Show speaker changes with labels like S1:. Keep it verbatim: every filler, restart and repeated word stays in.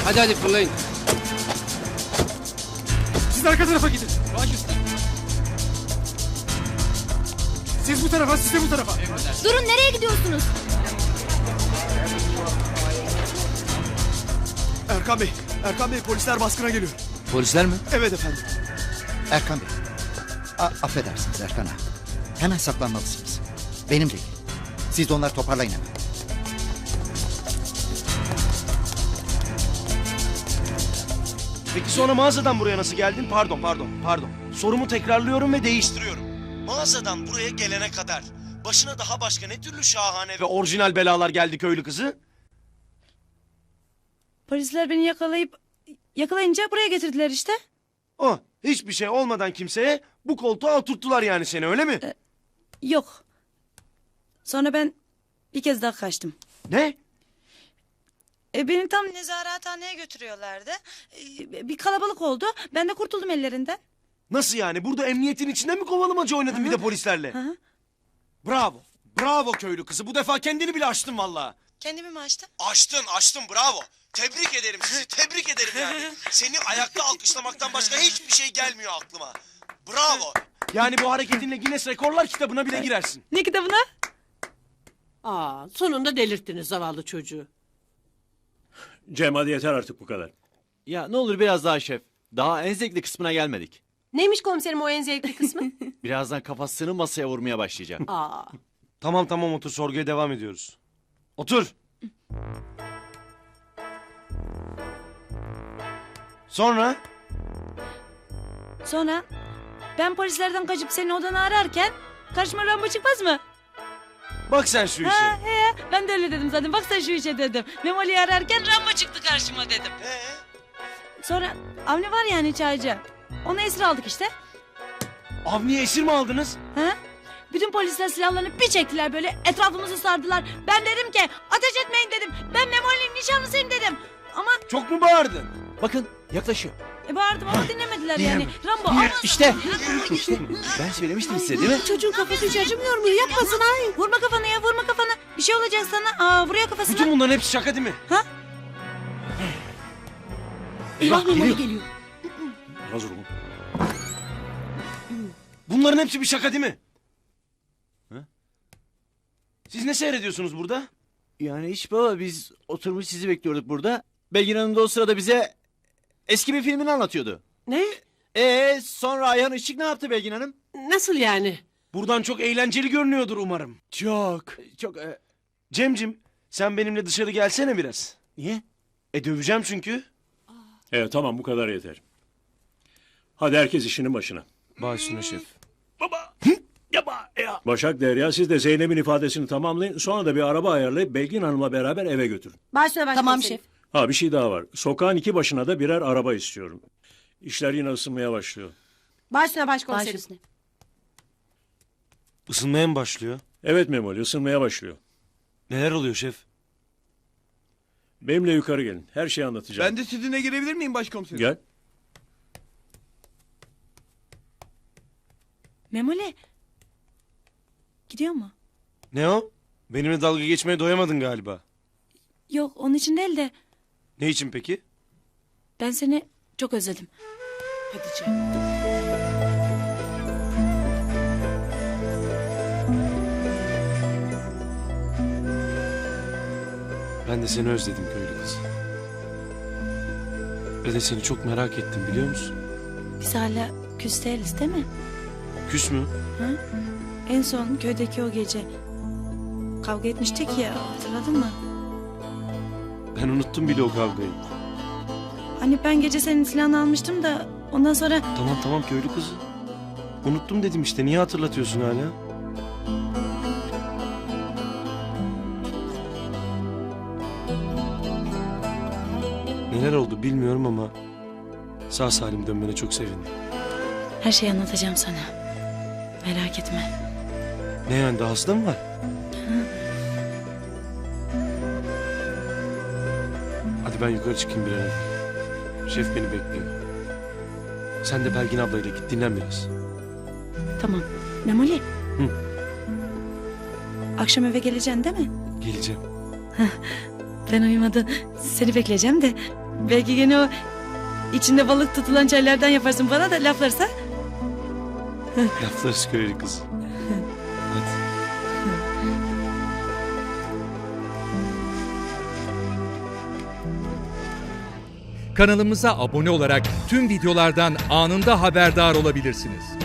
S1: Hadi hadi fırlayın.
S2: Siz arka tarafa gidin.
S1: Baş üstüne.
S2: Siz bu tarafa, siz de bu tarafa.
S3: Durun, nereye gidiyorsunuz?
S2: Erkan Bey, Erkan Bey polisler baskına geliyor.
S4: Polisler mi?
S2: Evet efendim.
S4: Erkan Bey. A affedersiniz Erkan ağa. Hemen saklanmalısınız. Benim değil. Siz de onları toparlayın hemen.
S5: Peki sonra mağazadan buraya nasıl geldin? Pardon, pardon, pardon. Sorumu tekrarlıyorum ve değiştiriyorum. Mağazadan buraya gelene kadar başına daha başka ne türlü şahane ve orijinal belalar geldi köylü kızı?
S6: Polisler beni yakalayıp yakalayınca buraya getirdiler işte.
S5: Oh, hiçbir şey olmadan kimseye bu koltuğa oturttular yani seni, öyle mi?
S6: Ee, yok. Sonra ben bir kez daha kaçtım.
S5: Ne?
S6: E, beni tam nezarethaneye götürüyorlardı. E, bir kalabalık oldu. Ben de kurtuldum ellerinden.
S5: Nasıl yani? Burada emniyetin içinde mi kovalamaca oynadın
S6: Hı-hı.
S5: bir de polislerle?
S6: Hı-hı.
S5: Bravo. Bravo köylü kızı. Bu defa kendini bile aştın vallahi.
S6: Kendimi mi açtım?
S5: Aştın, aştın. Bravo. Tebrik ederim sizi. Tebrik ederim yani. Seni ayakta alkışlamaktan başka hiçbir şey gelmiyor aklıma. Bravo. Yani bu hareketinle Guinness Rekorlar kitabına bile girersin.
S6: Ne kitabına?
S7: Aa, sonunda delirttiniz zavallı çocuğu.
S8: Cem hadi yeter artık bu kadar.
S9: Ya ne olur biraz daha şef. Daha en zevkli kısmına gelmedik.
S7: Neymiş komiserim o en zevkli kısmı?
S9: Birazdan kafasını masaya vurmaya başlayacak.
S7: Aa,
S5: Tamam tamam otur, sorguya devam ediyoruz. Otur. Sonra?
S6: Sonra ben polislerden kaçıp senin odanı ararken karşıma Rambo çıkmaz mı?
S5: Bak sen şu işe.
S6: Ha, he, ben de öyle dedim zaten. Bak sen şu işe dedim. Memoli'yi ararken Rambo çıktı karşıma dedim.
S5: Ee?
S6: Sonra Avni var yani çaycı. Onu esir aldık işte.
S5: Avni'ye esir mi aldınız?
S6: Ha? Bütün polisler silahlarını bir çektiler böyle. Etrafımızı sardılar. Ben dedim ki ateş etmeyin dedim. Ben Memoli'nin nişanlısıyım dedim. Ama
S5: Çok mu bağırdın?
S9: Bakın yaklaşıyor.
S6: e, bağırdım ama dinlemediler yani. Rambo ama...
S9: İşte. İşte. Ben söylemiştim size değil mi?
S7: çocuğun kafası hiç acımıyor mu? Yapmasın ay.
S6: Vurma kafanı ya, vurma kafanı. Bir şey olacak sana. Aa, vuruyor kafasına.
S5: Bütün bunların hepsi şaka değil mi?
S6: Ha?
S7: Eyvah Memoli geliyor.
S8: Hazır olun.
S5: Bunların hepsi bir şaka değil mi? Ha? Siz ne seyrediyorsunuz burada?
S9: Yani hiç baba, biz oturmuş sizi bekliyorduk burada. Belgin Hanım da o sırada bize eski bir filmini anlatıyordu.
S7: Ne?
S9: Ee sonra Ayhan Işık ne yaptı Belgin Hanım?
S7: Nasıl yani?
S5: Buradan çok eğlenceli görünüyordur umarım.
S9: Çok. Çok. E,
S5: Cemcim, sen benimle dışarı gelsene biraz.
S9: niye?
S5: E döveceğim çünkü.
S8: Evet tamam bu kadar yeter. Hadi herkes işinin başına.
S5: Baş üstüne şef.
S8: Baba. Yaba ya. Başak Derya siz de Zeynep'in ifadesini tamamlayın. Sonra da bir araba ayarlayıp Belgin Hanım'la beraber eve götürün.
S7: Başla başla.
S3: Tamam şef.
S8: Ha bir şey daha var. Sokağın iki başına da birer araba istiyorum. İşler yine ısınmaya başlıyor.
S7: Başla
S3: Baş
S7: başkomiserim.
S3: üstüne.
S5: Isınmaya mı başlıyor?
S8: Evet Memoli ısınmaya başlıyor.
S5: Neler oluyor şef?
S8: Benimle yukarı gelin. Her şeyi anlatacağım.
S2: Ben de sizinle gelebilir miyim başkomiserim?
S8: Gel.
S6: Memoli. Gidiyor mu?
S5: Ne o? Benimle dalga geçmeye doyamadın galiba.
S6: Yok, onun için değil de
S5: Ne için peki?
S6: ben seni çok özledim.
S7: Hadi Cem.
S5: Ben de seni özledim köylü kız. Ve de seni çok merak ettim biliyor musun?
S6: Biz hala küs değiliz değil mi?
S5: Küs mü?
S6: Hı? En son köydeki o gece kavga etmiştik ya, hatırladın mı?
S5: Ben unuttum bile o kavgayı.
S6: Hani ben gece senin silahını almıştım da ondan sonra...
S5: Tamam tamam köylü kızı. Unuttum dedim işte, niye hatırlatıyorsun hala? Neler oldu bilmiyorum ama sağ salim dönmene çok sevindim.
S6: Her şeyi anlatacağım sana. Merak etme.
S5: Ne yani, daha hasta mı var? Hadi ben yukarı çıkayım bir an evvel. Şef beni bekliyor. Sen de Belgin ablayla git dinlen biraz.
S6: Tamam. Memoli.
S5: Hı.
S6: Akşam eve geleceksin değil mi?
S5: Geleceğim.
S6: Ben uyumadan seni bekleyeceğim de Belki gene o içinde balık tutulan çaylardan yaparsın bana da laflarsa.
S5: Lafları söyledi kız. Hadi.
S1: Kanalımıza abone olarak tüm videolardan anında haberdar olabilirsiniz.